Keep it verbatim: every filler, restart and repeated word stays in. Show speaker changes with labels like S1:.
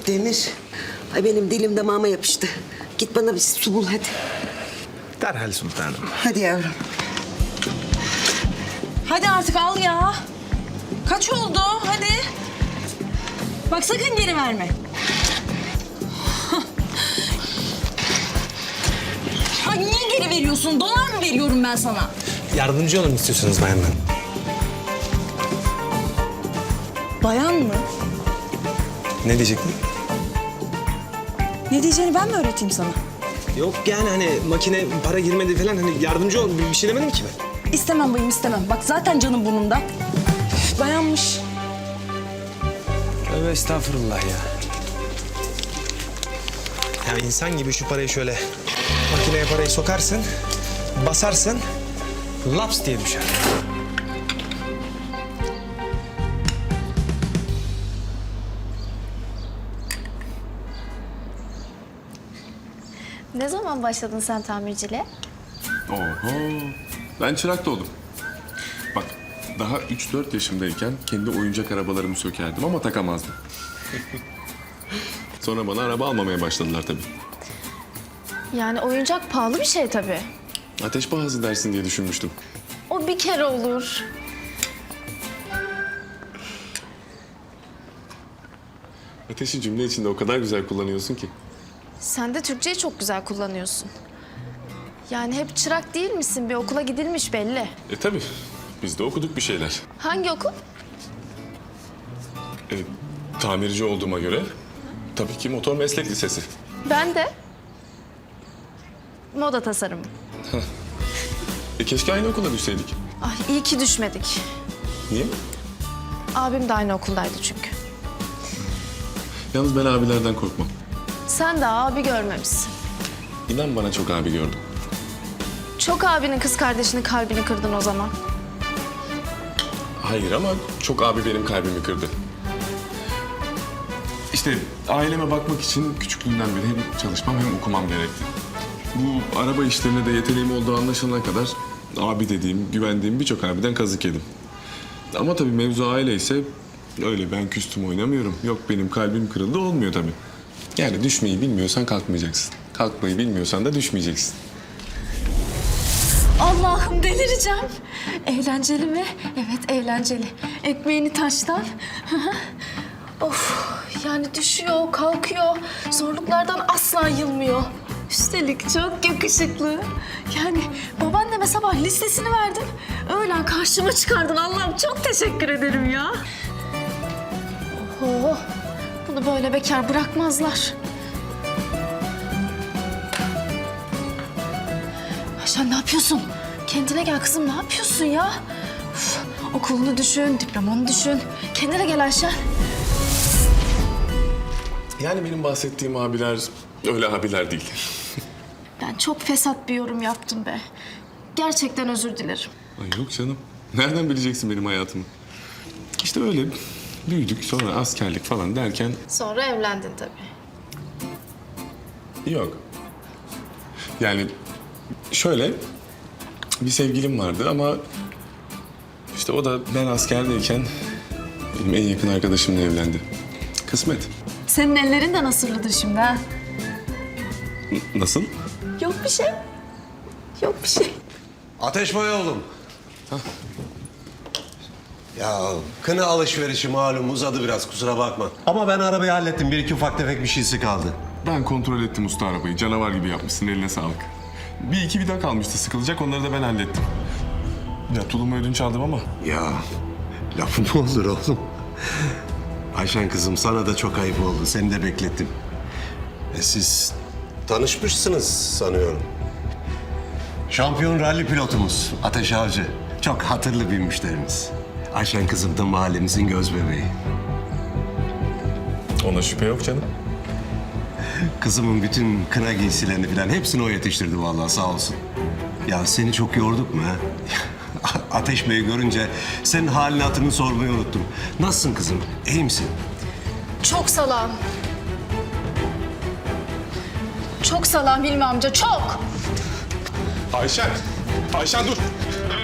S1: Demir, ay benim dilim damağıma yapıştı. Git bana bir su bul hadi.
S2: Derhal sultanım.
S1: Hadi yavrum.
S3: Hadi artık al ya. Kaç oldu? Hadi. Bak sakın geri verme. Ay niye geri veriyorsun? Dolar mı veriyorum ben sana?
S2: Yardımcı olun istiyorsanız bayanlar.
S3: Bayan mı?
S2: Ne diyecektin?
S3: Ne diyeceğini ben mi öğreteyim sana?
S2: Yok yani hani makine para girmedi falan hani yardımcı ol bir şey demedim ki ben.
S3: İstemem bayım istemem. Bak zaten canım burnumda. Üf, bayanmış.
S2: Tövbe estağfurullah ya. Ya insan gibi şu parayı şöyle makineye parayı sokarsın, basarsın, laps diye düşer.
S4: Ne zaman başladın sen tamirciliğe?
S5: Oho. Ben çırak da oldum. Bak daha üç dört yaşımdayken kendi oyuncak arabalarımı sökerdim ama takamazdım. Sonra bana araba almamaya başladılar tabii.
S4: Yani oyuncak pahalı bir şey tabii.
S5: Ateş pahası dersin diye düşünmüştüm.
S4: O bir kere olur.
S5: Ateşi cümle içinde o kadar güzel kullanıyorsun ki.
S4: Sen de Türkçeyi çok güzel kullanıyorsun. Yani hep çırak değil misin? Bir okula gidilmiş belli.
S5: E tabii. Biz de okuduk bir şeyler.
S4: Hangi okul?
S5: E, tamirci olduğuma göre tabii ki motor meslek lisesi.
S4: Ben de. Moda tasarımı.
S5: E keşke aynı okula düşseydik.
S4: Ay iyi ki düşmedik.
S5: Niye?
S4: Abim de aynı okuldaydı çünkü.
S5: Yalnız ben abilerden korkmam.
S4: Sen de abi görmemişsin.
S5: İnan bana çok abi gördüm.
S4: Çok abinin kız kardeşinin kalbini kırdın o zaman.
S5: Hayır ama çok abi benim kalbimi kırdı. İşte aileme bakmak için küçüklüğümden beri hem çalışmam hem okumam gerekti. Bu araba işlerine de yeteneğim olduğu anlaşılana kadar abi dediğim, güvendiğim birçok abiden kazık yedim. Ama tabii mevzu aile ise öyle ben küstüm oynamıyorum. Yok benim kalbim kırıldı olmuyor tabii. Yani düşmeyi bilmiyorsan kalkmayacaksın. Kalkmayı bilmiyorsan da düşmeyeceksin.
S4: Allah'ım delireceğim. Eğlenceli mi? Evet eğlenceli. Ekmeğini taştan. Of yani düşüyor, kalkıyor. Zorluklardan asla yılmıyor. Üstelik çok yakışıklı. Yani babaanneme sabah listesini verdin. Öğlen karşıma çıkardın. Allah'ım çok teşekkür ederim ya. Oho, bunu böyle bekar bırakmazlar. Ayşen ne yapıyorsun? Kendine gel kızım, ne yapıyorsun ya? Uf, okulunu düşün, diplomanı düşün. Kendine gel Ayşen.
S5: Yani benim bahsettiğim abiler öyle abiler değil.
S4: Ben çok fesat bir yorum yaptım be. Gerçekten özür dilerim.
S5: Ay yok canım. Nereden bileceksin benim hayatımı? İşte öyle büyüdük sonra askerlik falan derken
S4: Sonra evlendin tabii.
S5: yok. Yani şöyle bir sevgilim vardı ama işte o da ben askerdeyken benim en yakın arkadaşımla evlendi. Kısmet.
S4: Senin ellerin de nasırlıdır şimdi ha?
S5: N- nasıl?
S4: Yok bir şey. Yok bir şey.
S6: Ateş Bey oğlum. Ya kına alışverişi malum uzadı biraz kusura bakma. Ama ben arabayı hallettim. Bir iki ufak tefek bir şeysi kaldı.
S5: Ben kontrol ettim usta arabayı. Canavar gibi yapmışsın, eline sağlık. Bir iki vida kalmıştı sıkılacak, onları da ben hallettim. Ya tulumu ödünç aldım ama.
S6: Ya lafı mı olur oğlum? Ayşen kızım sana da çok ayıp oldu. Seni de beklettim. E siz tanışmışsınız sanıyorum. Şampiyon ralli pilotumuz Ateş Avcı. Çok hatırlı bir müşterimiz. Ayşen kızım da mahallemizin göz bebeği.
S5: Ona şüphe yok canım.
S6: Kızımın bütün kına giysilerini falan hepsini o yetiştirdi vallahi sağ olsun. Ya seni çok yorduk mu ha? Ateş Bey'i görünce senin halini hatırını sormayı unuttum. Nasılsın kızım? İyi misin?
S4: Çok salam. Çok salam Hilmi amca, çok.
S5: Ayşen! Ayşen dur!